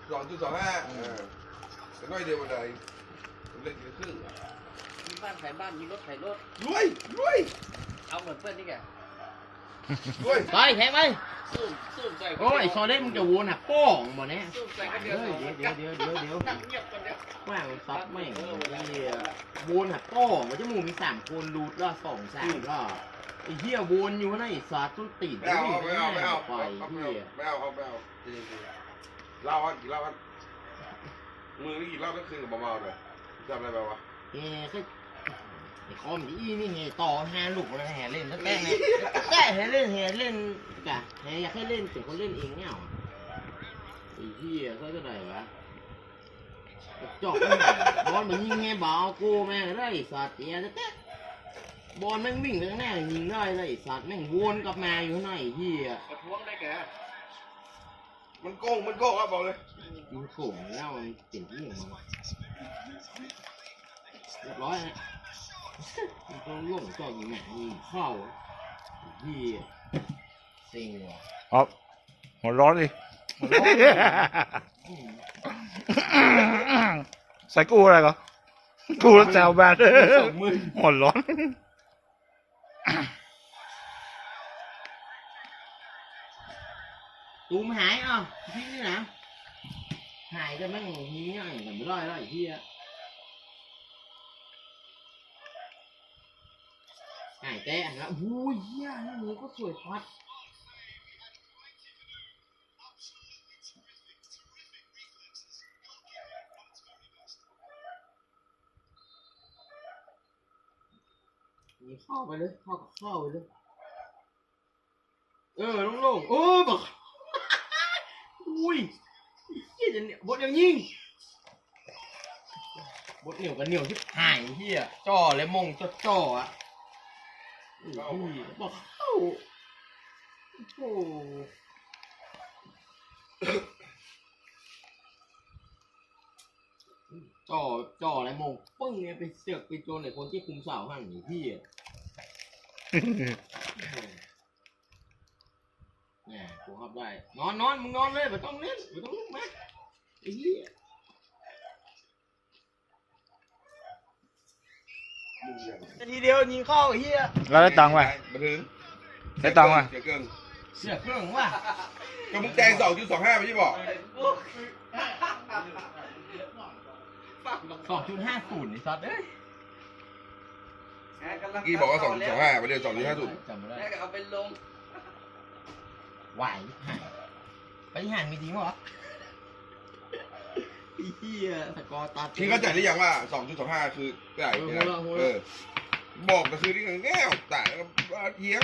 2.25แต่น้อยเดียววันใดเล่นกี่ครึ่งมีบ้านขายบ้านมีรถขายรถรวยเอาเหมือนเพื่อนนี่แกรวยไปแทงไปสู้ใจโอ้ยซอเล่มึงจะวนหักป้องบ่เนี่ยสู้ใจกันเดียวเดี๋ยวนั่งเงียบกันเดียวแม่งซับไม่วนหักป้องมันจะมูมี3 คนรูดละ2 3ละไอ้เหี้ยวนอยู่นะไอ้สัตว์ต้นตีนไม่เอาไปเฮียไม่เอาเล่ากันกี่เล่ากันมือนี่กี่เล่าก็คืนกับเบาๆเลยจำอะไรไปวะไอ้คอมอีนี่ไงต่อ5 ลูกแล้วแห่เล่นตั้งแต่เนี่ยแก่แห่เล่นกะแห่อยากให้เล่นเป็นคนเล่นเองเนี่ยไอ้เหี้ยเขาจะไหนวะจอกบอลมันยิงไงบ่าวกูแม่งได้สัตว์เตี้ยแต่บอลแม่งวิ่งไปข้างหน้ายิงได้เลยสัตว์แม่งวนกลับมาอยู่ข้างในเหี้ยประท้วงได้แกมันโกงครับบอกเลยมันโกงแล้วมันเจ๋งที่อย่างมันเรียบร้อยนะมันต้องล่วงจอกยิงแม่ยิงเข้าเหี้ยเซ็งว่ะอ๋อหัวร้อนดิใส่กูอะไรก็กูแล้วแซวแบนหัวร้อนตูมหายอ่ะพี่นี่นะหายจะไม่งนี้อ่ะแต่ไม่ได้แล้วไอ้พี่อ่ะหายแต่แล้วโอ้ยเหี้ยนี่ก็สวยพัดมีเข้าไปเลยเข้าไปเลยโล่งๆบอกอุ้ยยี่จะเนี่ยบดยังยิงบดเหนียวกับเหนียวที่หายเฮียจ่อเลยมงจ่ออ่ะอุ้ยบอกเข้าโอ้จ่ออะไรมงปึ้งเนี่ยไปเสือกไปโจนไอ้คนที่คุมเสาห่างอยู่พี่อ่ะเนี่ยกูขับได้นอนมึงนอนเลยไม่ต้องเล่นไม่ต้องลุกมาไอ้เหี้ยทีเดียวยิงเข้าไอ้เหี้ยแล้วได้ตังค์ไหมมาถึงได้ตังค์ไหมเสียเครื่องว่ะก็มึงแจง2.25ไม่ใช่บอก 2.50นี่ซัดเอ้ยกี่บอกว่า2.25ประเดี๋ยว2.50 จำไม่ได้แล้วก็เอาไปลงไหวห่างไปห่างมีจริงเหรอไอ้เหี้ยสกอร์ตัดพี่เข้าใจหรือยังว่า 2.25 คือไก่บอกแต่คือที่แง่แต่เยี้ยง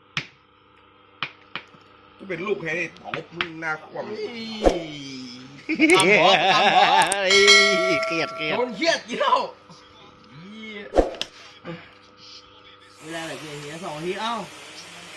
ก็เป็นลูกแค่นี้ตบมึงหน้าความตามหัวเกลียดโดนเหี้ยกี่เท่าไม่ได้เลยเหี้ย2 นาทีเอ้า